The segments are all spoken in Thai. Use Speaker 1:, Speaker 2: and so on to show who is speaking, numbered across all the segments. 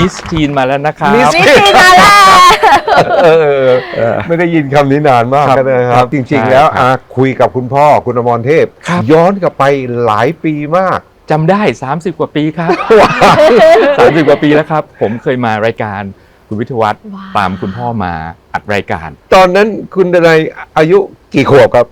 Speaker 1: มิสทีนมาแล้วนะครับ
Speaker 2: มิสทีนมาแล้ว
Speaker 3: ไม่ได้ยินคำนี้นานมาก
Speaker 1: ครับ
Speaker 3: นะครับ จริง
Speaker 1: ใช่
Speaker 3: ๆ แล้ว
Speaker 1: ครับ
Speaker 3: คุยกับคุณพ่อคุณอมรเทพ
Speaker 1: ครับ
Speaker 3: ย้อนกลับไปหลายปีมาก
Speaker 1: จำได้30 กว่าปีครับ 30 กว่าปีแล้วครับ ผมเคยมารายการคุณวิทยวัฒน์
Speaker 2: ว้าว
Speaker 1: ตามคุณพ่อมาอัดรายการ
Speaker 3: ตอนนั้นคุณดนัยอายุกี่ขวบครับ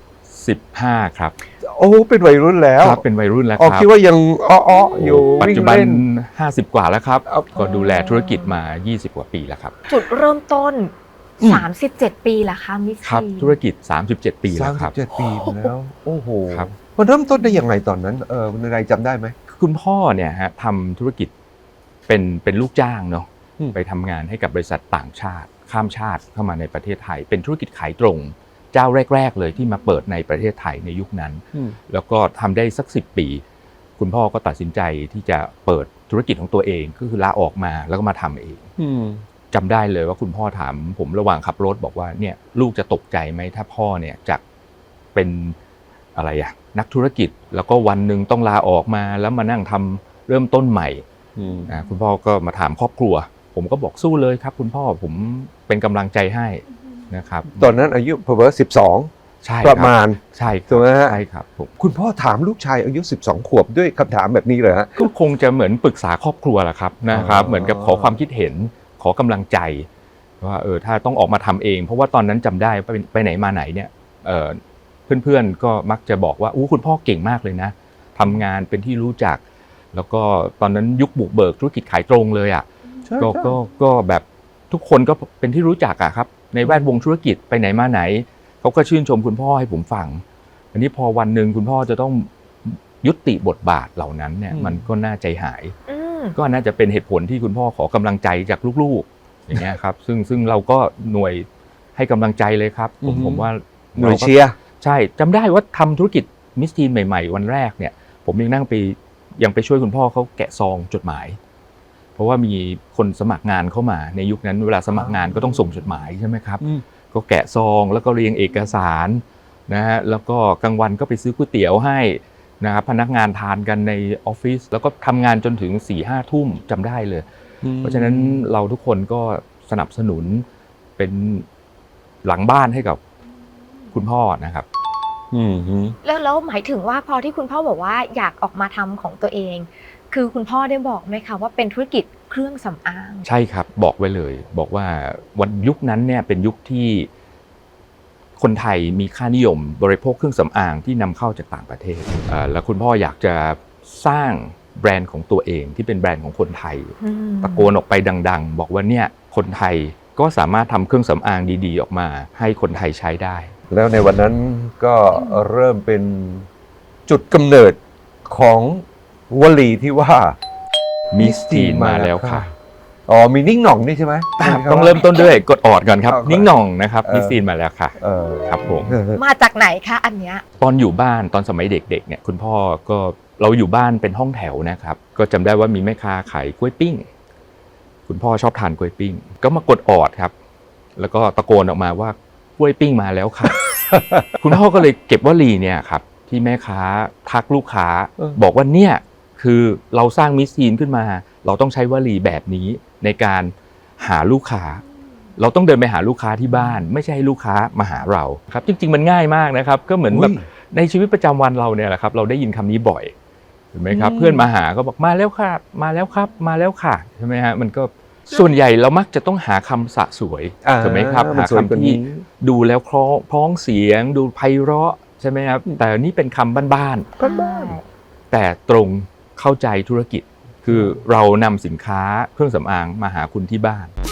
Speaker 1: 15 ครับ
Speaker 3: โอ้เป็นวัยรุ่นแล้ว
Speaker 1: ครับเป็นวัยรุ่นแล้ว
Speaker 3: อ๋อ
Speaker 1: ครับ
Speaker 3: คิดว่ายังอ้อๆอยู่
Speaker 1: ปัจ
Speaker 3: วิ่ง
Speaker 1: จุบัน
Speaker 3: เล่น
Speaker 1: 50 กว่าแล้วครับ
Speaker 3: เอา
Speaker 1: ก็ดูแลธุรกิจมา 20 กว่าปีแล้วครับ
Speaker 2: จุดเริ่มต้น
Speaker 1: อืม
Speaker 2: 37 ปีละคะมิส
Speaker 1: ครับ
Speaker 2: ทีน
Speaker 1: ธุรกิจ 37 ปีแล้วครับ
Speaker 3: 37 ปีมาแล้ว โอ้โห
Speaker 1: ครับ
Speaker 3: มันเริ่มต้นได้ยังไงตอนนั้นคุณดนัยจำได้ไหม
Speaker 1: คุณพ่อเนี่ยฮะทำธุรกิจเป็นลูกจ้างเนาะ
Speaker 3: อืม
Speaker 1: ไปทำงานให้กับบริษัทต่างชาติ ข้ามชาติเข้ามาในประเทศไทย เป็นธุรกิจขายตรง เจ้าแรก ๆ เลยที่มาเปิดในประเทศไทยในยุคนั้น แล้วก็ทำได้สัก10 ปี คุณพ่อก็ตัดสินใจที่จะเปิดธุรกิจของตัวเองก็คือลาออกมาแล้วก็มาทำเองจำได้เลยว่าคุณพ่อถามผมระหว่างขับรถบอกว่าเนี่ยลูกจะตกใจไหมถ้าพ่อเนี่ยจะเป็นอะไรอะนักธุรกิจแล้วก็วันหนึ่งต้องลาออกมาแล้วมานั่งทำเริ่มต้นใหม่คุณพ่อก็มาถามครอบครัว ผมก็บอกสู้เลยครับคุณพ่อผมเป็นกำลังใจให้นะครับ
Speaker 3: ตอนนั้นอายุประมาณ12
Speaker 1: ใช่
Speaker 3: ประมาณ
Speaker 1: ใช่
Speaker 3: ถูกไหมฮะ
Speaker 1: ใช่ครับผม
Speaker 3: คุณพ่อถามลูกชายอายุ12 ขวบด้วยคำถามแบบนี้เลยฮะ
Speaker 1: ก็คงจะเหมือนปรึกษาครอบครัวแหละครับนะครับ
Speaker 3: อ๋อ
Speaker 1: เหมือนกับขอความคิดเห็นขอกำลังใจว่าถ้าต้องออกมาทำเอง เพราะว่าตอนนั้นจำได้ไปไหนมาไหนเนี่ยเพื่อนๆก็มักจะบอกว่าคุณพ่อเก่งมากเลยนะทำงานเป็นที่รู้จัก แล้วก็ตอนนั้นยุคบุกเบิกธุรกิจขายตรงเลยอ่ะก็แบบทุกคนก็เป็นที่รู้จักอะครับในแวดวงธุรกิจไปไหนมาไหนเขาก็ชื่นชมคุณพ่อให้ผมฟังอันนี้พอวันหนึ่งคุณพ่อจะต้องยุติบทบาทเหล่านั้นเนี่ยมันก็น่าใจหาย ก็น่าจะเป็นเหตุผลที่คุณพ่อขอกำลังใจจากลูกๆอย่างเงี้ยครับซึ่งเราก็หน่วยให้กำลังใจเลยครับผมว่า
Speaker 3: หน่วยเชียร์
Speaker 1: ใช่จำได้ว่าทำธุรกิจมิสทีนใหม่ๆวันแรกเนี่ยผมยังไปช่วยคุณพ่อเขาแกะซองจดหมายเพราะว่ามีคนสมัครงานเข้ามาในยุคนั้นเวลาสมัครงานก็ต้องส่งจดหมายใช่ไหมครับก็แกะซองแล้วก็เรียงเอกสารนะฮะแล้วก็กลางวันก็ไปซื้อก๋วยเตี๋ยวให้นะครับพนักงานทานกันในออฟฟิศแล้วก็ทำงานจนถึง 4-5 ทุ่มจำได้เลยเพราะฉะนั้นเราทุกคนก็สนับสนุนเป็นหลังบ้านให้กับคุณพ่อนะครับ
Speaker 2: แล้วหมายถึงว่าพอที่คุณพ่อบอกว่าอยากออกมาทำของตัวเอง คือคุณพ่อได้บอกไหมคะว่าเป็นธุรกิจเครื่องสำอาง
Speaker 1: ใช่ครับบอกไว้เลยบอกว่าวันยุคนั้นเนี่ยเป็นยุคที่คนไทยมีค่านิยมบริโภคเครื่องสำอางที่นำเข้าจากต่างประเทศแล้วคุณพ่ออยากจะสร้างแบรนด์ของตัวเองที่เป็นแบรนด์ของคนไทยตะโกนออกไปดังๆบอกว่าเนี่ยคนไทยก็สามารถทำเครื่องสำอางดีๆออกมาให้คนไทยใช้ได้
Speaker 3: แล้วในวันนั้นก็เริ่มเป็นจุดกำเนิดของวลีที่ว่า
Speaker 1: มิสทีนมาแล้วค่ะ
Speaker 3: อ๋อมีนิ่งหน่องนี่ใช่ไหม
Speaker 1: ต้องเริ่มต้นด้วยกดออดก่อนครับ
Speaker 3: เอาก่อน
Speaker 1: นิ่งหน่องนะครับมิสทีนมาแล้วค่ะครับผม
Speaker 2: มาจากไหนคะอันเนี้ย
Speaker 1: ตอนอยู่บ้านตอนสมัยเด็กๆเนี่ยคุณพ่อก็เราอยู่บ้านเป็นห้องแถวนะครับก็จำได้ว่ามีแม่ค้าขายกล้วยปิ้งคุณพ่อชอบทานกล้วยปิ้งก็มากดออดครับแล้วก็ตะโกนออกมาว่ากล้วยปิ้งมาแล้วค่ะ คุณพ่อก็เลยเก็บวลีเนี่ยครับที่แม่ค้าทักลูกค้าบอกว่าเนี่ยคือเราสร้างมิสทีนขึ้นมาเราต้องใช้วลีแบบนี้ในการหาลูกค้าเราต้องเดินไปหาลูกค้าที่บ้านไม่ใช่ให้ลูกค้ามาหาเราครับจริงๆมันง่ายมากนะครับก็เหมือนแบบในชีวิตประจำวันเราเนี่ยแหละครับเราได้ยินคำนี้บ่อยเห็นไหมครับเพื่อนมาหาก็บอกมาแล้วค่ะมาแล้วครับมาแล้วค่ะใช่ไหมฮะมันก็ส่วนใหญ่เรามักจะต้องหาคำสะสวยถูกไหมครับหาคำที่ดูแล้วคล้องเสียงดูไพเราะใช่ไหมครับแต่นี่เป็นคำบ้านๆแต่ตรงเข้าใจธุรกิจคือเรานำสินค้าเครื่องสำอางมาหาคุณที่บ้าน